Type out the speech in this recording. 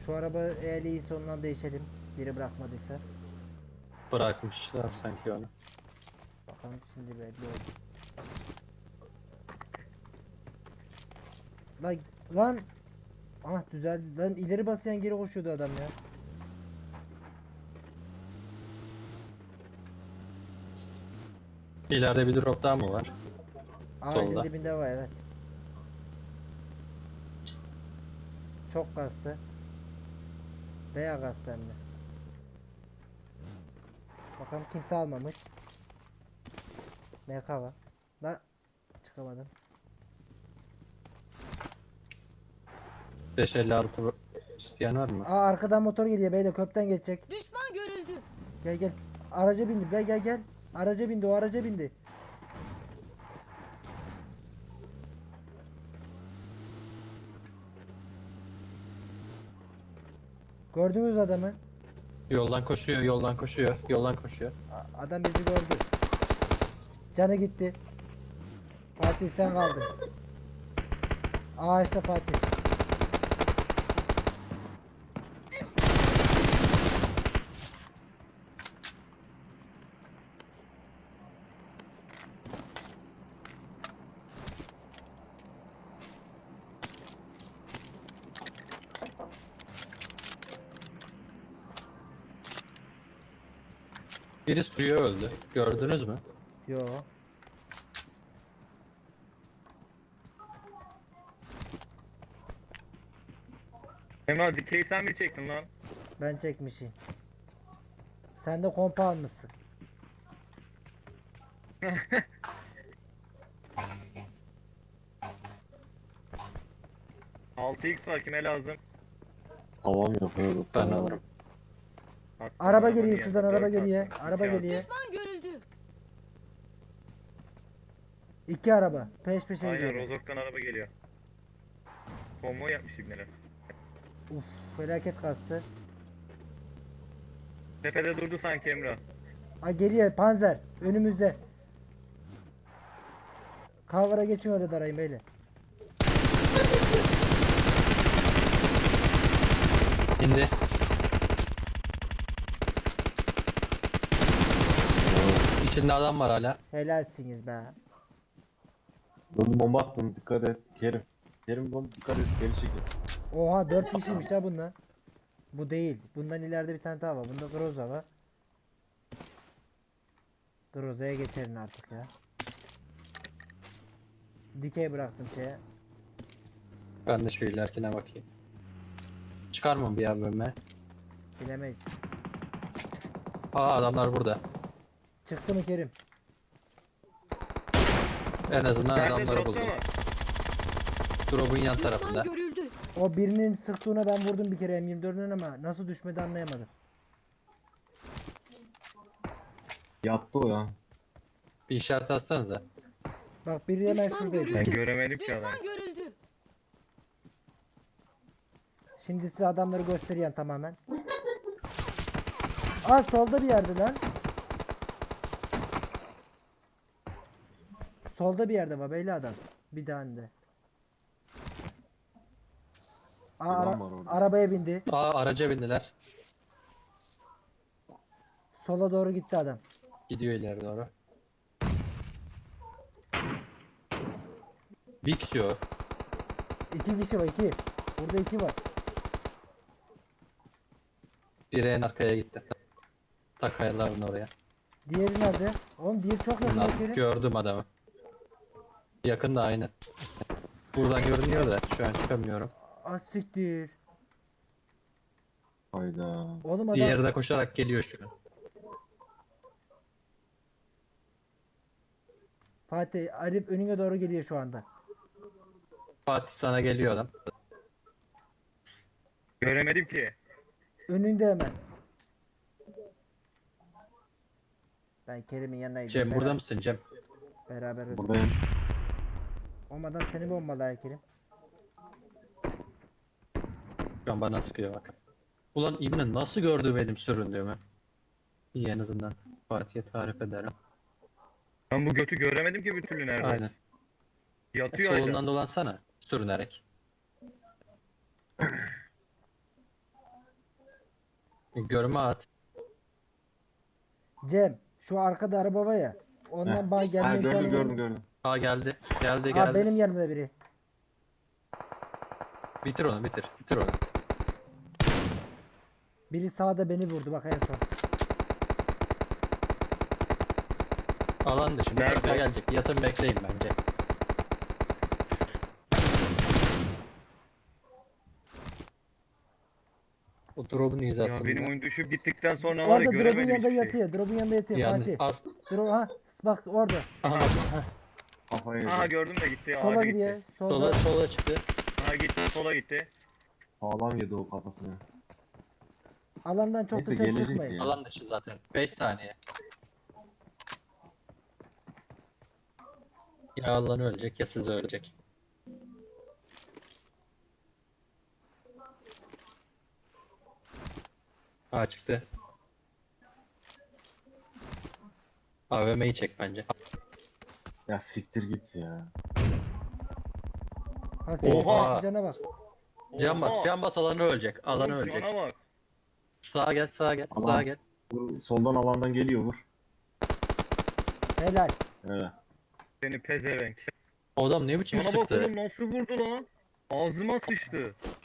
Şu araba eğer iyiyse ondan değişelim. Biri bırakmadıysa. Bırakmışlar sanki onu. Bakalım şimdi belli oldu. Lan lan. Ah düzeldi. Lan ileri basayan geri koşuyordu adam ya. İleride bir drop daha mı var? Ağacın Solda. dibinde var, evet. Çok kastı. Bayağı kastı hem de. Bakalım kimse almamış. MK var. La çıkamadım. 556 isteyen var mı? Aa arkadan motor geliyor beyler, köprüden geçecek. Düşman görüldü. Gel gel. Araca bindi. Gel gel gel. Araca bindi, o araca bindi. Gördünüz adamı. Yoldan koşuyor, yoldan koşuyor, yoldan koşuyor. Adam bizi gördü. Canı gitti. Fatih sen kaldın. Ağaçta Fatih. Biri suya öldü. Gördünüz mü? Yo. Emrah dikeyi sen mi çektin lan? Ben çekmişim. Sen de kompa almışsın. 6x var, kime lazım? Havam yapıyorduk. Ben alırım. Araba geliyor geldi, şuradan, araba 4 geliyor. attım, Araba iki geliyor. Düşman görüldü. İki araba. Peş peşe Aynen, gidiyor. Rozok'tan araba geliyor. Konvoy yapmış ibneler. Uf, felaket kastı. Tepede durdu sanki Emrah. Ha geliyor Panzer. Önümüzde. Cover'a geçin, öyle darayın beyler. İndi. İçinde adam var hala. Helalsiniz be. Dur bomba attım, dikkat et. Kerim. Kerim bomba dikkat et, geri çekil. Oha 4 kişiymiş ha bunlar. Bu değil. Bundan ileride bir tane daha var. Bunda Groza var. Groza'ya geçelim artık ya. Dikey bıraktım şeye. Ben de şu ilerikine bakayım. Çıkar mı bir AVM? Bilemeyiz. Aa adamlar burada. Çıktı mı Kerim? En azından Nerede, adamları dropta buldum. mı? Drop'un yan Düşman tarafında. görüldü. O birinin sıktığına ben vurdum bir kere M24'ün ama nasıl düşmedi anlayamadım. Yattı o ya. Bir işaret atsanıza. Bak biri hemen Düşman şuradaydı. Ben görüldü. göremedim ki adam. Düşman görüldü. Şimdi size adamları gösteriyen tamamen. Aa solda bir yerde lan. Solda bir yerde var beyli adam. Bir tane de. Aa, Adam var orada. arabaya bindi. Aa araca bindiler. Sola doğru gitti adam. Gidiyor ileri doğru. Bir kişi o. İki kişi var, iki. Burada iki var. Biri en arkaya gitti. Ta kayaların oraya. Diğeri nerede? Oğlum diğeri çok yakın Kerim. Gördüm adamı. Yakında aynı. Buradan görünüyor da şu an çıkamıyorum. Ah siktir. Hayda. Oğlum adam Diğeri de koşarak geliyor şu an. Fatih Arif önüne doğru geliyor şu anda. Fatih sana geliyor adam. Göremedim ki. Önünde hemen. Ben Kerim'in yanına gidiyorum. Cem burada mısın Cem? Beraber öldük. Buradayım. Oğlum adam seni bombaladı Kerim. Şu an bana sıkıyor bak. Ulan İbni nasıl gördü benim süründüğümü? İyi en azından Fatih'e tarif ederim. Ben bu götü göremedim ki bir türlü nerede. Aynen. Yatıyor hala. Solundan dolansana sürünerek. Görme at. Cem şu arkada araba var ya. Ondan bana Ha, gelme gördüm imkanı gördüm var. gördüm. Aa geldi. Geldi Aa, geldi. benim yanımda biri. Bitir onu bitir. Bitir onu. Biri sağda beni vurdu bak en son. Alan dışı. Bu Nerede? tarafa gelecek. Yatın bekleyin bence. O drop'un hizasında. Ya benim oyun düşüp gittikten sonra var ya Orada drop'un göremedim yanında hiçbir şey. yatıyor. Drop'un yanında yatıyor Yani Fatih. az. Drop ha bak orada. Aha, Kafayı Aha yedi. gördüm de gitti. Sola ağaca gidiyor. gitti. Solda. sola çıktı. Aha gitti sola gitti. Sağlam yedi o kafasını. Alandan çok Neyse, dışarı gelecek çıkmayın. ya. Alan dışı zaten. 5 saniye. Ya alan ölecek ya siz ölecek. Aa çıktı. AVM'yi çek bence. Ya siktir git ya. Ha senin Oha! patlıcana bak. Can bas, Oha! can bas alanı ölecek. Alanı Oğlum, ölecek. Cana bak. Sağa gel, sağa gel, Alan. sağa gel. Soldan alandan geliyor vur. Helal. Evet. Seni pezevenk. O adam ne biçim Cana bak sıktı? oğlum nasıl vurdu lan? Ağzıma sıçtı.